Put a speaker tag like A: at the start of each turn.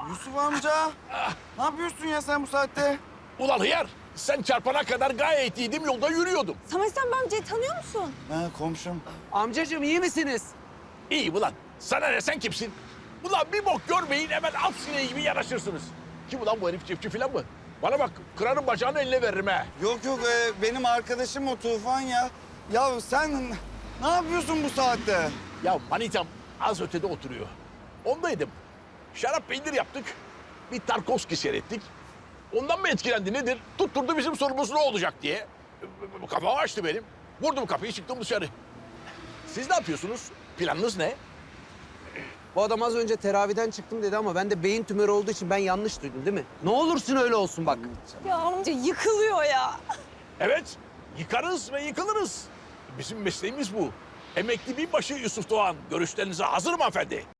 A: Yusuf amca. Ne yapıyorsun ya sen bu saatte?
B: Ulan hıyar, sen çarpana kadar gayet iyiydim, yolda yürüyordum.
C: Samet sen bu amcayı tanıyor musun?
A: Ha komşum.
D: Amcacığım iyi misiniz?
B: İyi ulan, sana ne, sen kimsin? Ulan bir bok görmeyin, hemen at sineği gibi yanaşırsınız. Kim ulan bu herif, çiftçi falan mı? Bana bak, kırarım bacağını, eline veririm ha.
A: Yok benim arkadaşım o Tufan ya. Ya sen ne yapıyorsun bu saatte?
B: Ya manitam az ötede oturuyor. Ondaydım. Şarap peynir yaptık. Bir Tarkovski seyrettik. Ondan mı etkilendi nedir? Tutturdu bizim sorumuz ne olacak diye. Kafamı açtı benim. Vurdum kapıyı, çıktım dışarı. Siz ne yapıyorsunuz? Planınız ne?
D: Bu adam az önce teraviden çıktım dedi ama ben de beyin tümörü olduğu için ben yanlış duydum değil mi? Ne olursun öyle olsun bak.
C: Ya amca yıkılıyor ya.
B: Evet, yıkarız ve yıkılırız. Bizim mesleğimiz bu. Emekli binbaşı Yusuf Doğan, görüşlerinize hazır mı hanımefendi?